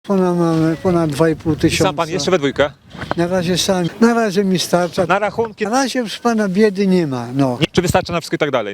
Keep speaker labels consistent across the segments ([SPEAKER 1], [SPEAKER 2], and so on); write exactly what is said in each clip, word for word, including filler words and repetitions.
[SPEAKER 1] Ponad, mamy ponad dwa i pół tysiąca.
[SPEAKER 2] Sam pan jeszcze we dwójkę?
[SPEAKER 1] Na razie sam, na razie mi starcza.
[SPEAKER 2] Na rachunki?
[SPEAKER 1] Na razie proszę pana biedy nie ma, no.
[SPEAKER 2] Nie, czy wystarcza na wszystko i tak dalej?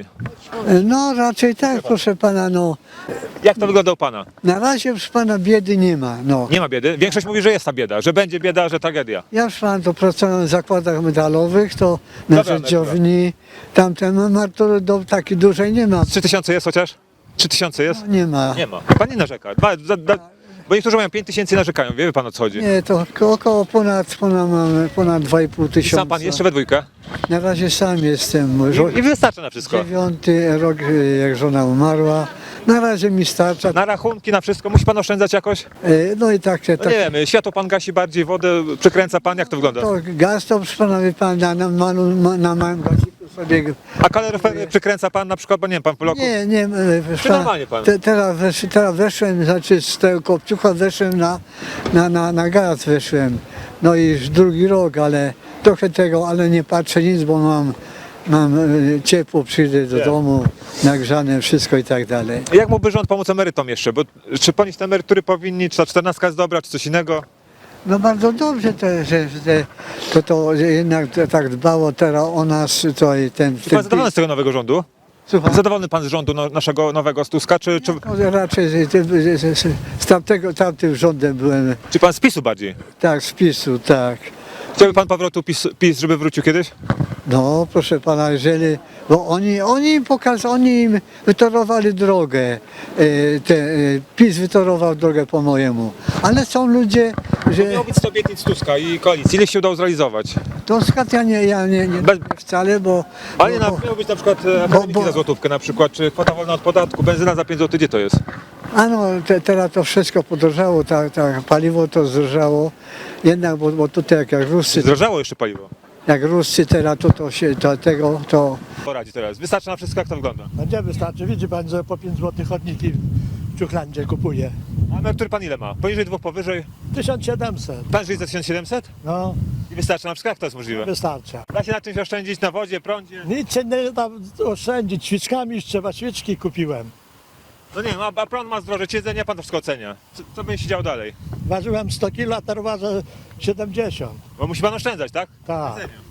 [SPEAKER 1] No raczej tak, proszę pana, no.
[SPEAKER 2] Jak to wygląda u pana?
[SPEAKER 1] Na razie proszę pana biedy nie ma, no.
[SPEAKER 2] Nie ma biedy? Większość mówi, że jest ta bieda, że będzie bieda, że tragedia.
[SPEAKER 1] Ja proszę pana to pracowałem w zakładach metalowych, to na
[SPEAKER 2] Dobra
[SPEAKER 1] rzeździowni, tamten emerytury do takiej dużej nie ma.
[SPEAKER 2] Trzy tysiące jest chociaż? Trzy tysiące jest?
[SPEAKER 1] No, nie ma.
[SPEAKER 2] Nie ma. Pan nie narzeka. Dwa, da, da, bo niektórzy mają pięć tysięcy i narzekają. Wie pan, o co chodzi?
[SPEAKER 1] Nie, to około ponad, ponad mamy ponad dwa i pół
[SPEAKER 2] I
[SPEAKER 1] tysiąca.
[SPEAKER 2] sam pan jeszcze we dwójkę?
[SPEAKER 1] Na razie sam jestem.
[SPEAKER 2] I, i wystarcza na wszystko.
[SPEAKER 1] Dziewiąty rok, jak żona umarła. Na razie mi starcza.
[SPEAKER 2] Na rachunki, na wszystko. Musi pan oszczędzać jakoś?
[SPEAKER 1] E, No i tak,
[SPEAKER 2] No
[SPEAKER 1] tak.
[SPEAKER 2] nie wiem, światło pan gasi bardziej, wodę przykręca pan, jak to wygląda?
[SPEAKER 1] To gaz to proszę pana, wie pan, na, na, malu, ma- na małym gaziku sobie.
[SPEAKER 2] A kaloryfer przykręca pan na przykład, bo nie wiem, pan po roku?
[SPEAKER 1] Nie, nie, e, proszę
[SPEAKER 2] Czy normalnie pan?
[SPEAKER 1] Te, teraz, wesz, teraz weszłem, znaczy z tego kopciucha weszłem na, na, na, na gaz weszłem. No i już drugi rok, ale trochę tego, ale nie patrzę nic, bo mam, mam e, ciepło, przyjdę do
[SPEAKER 2] Nie.
[SPEAKER 1] domu, nagrzane wszystko i tak dalej.
[SPEAKER 2] Jak mógłby rząd pomóc emerytom jeszcze? Bo czy ponieść te emerytury powinni, czy ta czternastka jest dobra, czy coś innego?
[SPEAKER 1] No bardzo dobrze, to, że, że to, to że jednak tak dbało teraz o nas, to i ten...
[SPEAKER 2] Czy pan zadowolony z tego nowego rządu?
[SPEAKER 1] Słucham?
[SPEAKER 2] Zadowolony pan z rządu no, naszego nowego z Tuska, czy, czy,
[SPEAKER 1] No, raczej że, że, że, że, z tamtego, tamtym rządem byłem,
[SPEAKER 2] czy pan z PiSu bardziej?
[SPEAKER 1] tak, z PiSu, tak.
[SPEAKER 2] Chciałby pan powrotu PiS, PiS, żeby wrócił kiedyś?
[SPEAKER 1] No, proszę pana, jeżeli, bo oni, oni im pokazali, oni im wytorowali drogę, e, te, e, PiS wytorował drogę po mojemu, ale są ludzie, że
[SPEAKER 2] Miało być sto obietnic Tuska i koalicji. Ile się udało zrealizować?
[SPEAKER 1] to skąd ja nie, ja nie, nie
[SPEAKER 2] Bez-
[SPEAKER 1] wcale, bo,
[SPEAKER 2] Ale nie,
[SPEAKER 1] bo,
[SPEAKER 2] na,
[SPEAKER 1] bo
[SPEAKER 2] miało być na przykład e, akademiki
[SPEAKER 1] bo-
[SPEAKER 2] za złotówkę na przykład, czy kwota wolna od podatku, benzyna za pięć złotych, gdzie to jest?
[SPEAKER 1] a no, te, teraz to wszystko podrożało, tak, tak, paliwo to zdrożało, jednak, bo, bo tutaj jak, jak Ruscy,
[SPEAKER 2] Zdrożało jeszcze paliwo.
[SPEAKER 1] jak Ruscy teraz to, to się, to, tego, to
[SPEAKER 2] Poradzi teraz. Wystarczy na wszystko, jak to wygląda.
[SPEAKER 3] No gdzie wystarczy? Widzi pan, że po pięć złotych chodniki w Ciuchlandzie kupuje.
[SPEAKER 2] A emerytury pan ile ma? Poniżej dwóch, powyżej?
[SPEAKER 3] tysiąc siedemset.
[SPEAKER 2] Pan żyje za tysiąc siedemset?
[SPEAKER 3] No,
[SPEAKER 2] I wystarczy na wszystko, jak to jest możliwe?
[SPEAKER 3] wystarcza.
[SPEAKER 2] Da się na czymś oszczędzić, na wodzie, prądzie?
[SPEAKER 3] Nic się nie da oszczędzić. Świeczkami już trzeba, świeczki kupiłem.
[SPEAKER 2] No nie wiem, a, a prąd ma zdroże, jedzenie, pan to wszystko ocenia. Co, co będzie się działo dalej?
[SPEAKER 3] Ważyłem sto kilo, a teraz ważę siedemdziesiąt.
[SPEAKER 2] Bo musi pan oszczędzać, tak?
[SPEAKER 3] Tak.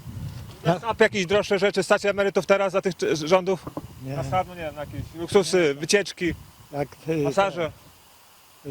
[SPEAKER 2] Na SAP jakieś droższe rzeczy stać emerytów teraz za tych czy- rządów?
[SPEAKER 3] Nie.
[SPEAKER 2] Na SAP, no nie wiem, na jakieś luksusy, wycieczki,
[SPEAKER 3] Jak y,
[SPEAKER 2] masaże.
[SPEAKER 3] y,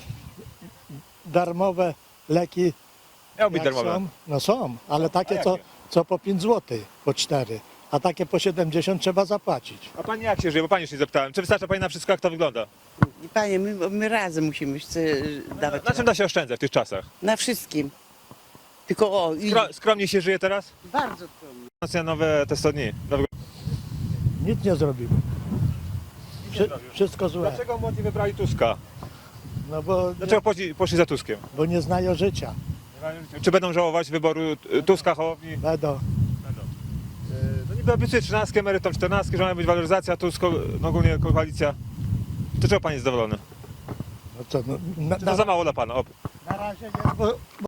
[SPEAKER 3] darmowe leki.
[SPEAKER 2] Miało być
[SPEAKER 3] jak
[SPEAKER 2] darmowe.
[SPEAKER 3] są? No są, ale takie
[SPEAKER 2] A
[SPEAKER 3] co,
[SPEAKER 2] jakie?
[SPEAKER 3] co po pięć złotych, po cztery. A takie po siedemdziesiąt trzeba zapłacić.
[SPEAKER 2] A pani jak się żyje? Bo pani już nie zapytałem. Czy wystarcza pani na wszystko, jak to wygląda?
[SPEAKER 4] Panie, my, my razem musimy chce dawać
[SPEAKER 2] Na czym da się oszczędzać w tych czasach?
[SPEAKER 4] na wszystkim. Tylko o, i
[SPEAKER 2] Skro, skromnie się żyje teraz?
[SPEAKER 4] bardzo trudno.
[SPEAKER 2] Na nowe te sto dni. Nowego...
[SPEAKER 3] Nic nie zrobimy. Wszy, wszystko złe.
[SPEAKER 2] Dlaczego młodzi wybrali Tuska?
[SPEAKER 3] No bo,
[SPEAKER 2] Dlaczego poszli, poszli za Tuskiem?
[SPEAKER 3] bo nie znają życia.
[SPEAKER 2] Czy będą żałować wyboru y, Tuska, Hołowni?
[SPEAKER 3] Będą.
[SPEAKER 2] Będą. Y, No niby obiecuje trzynastkę emerytom, czternastkę, że ma być waloryzacja, Tusk, no ogólnie koalicja. To czego pan jest zadowolony?
[SPEAKER 3] No co, no, na,
[SPEAKER 2] Czy to
[SPEAKER 3] na,
[SPEAKER 2] za mało dla pana? O,
[SPEAKER 3] na razie nie, bo,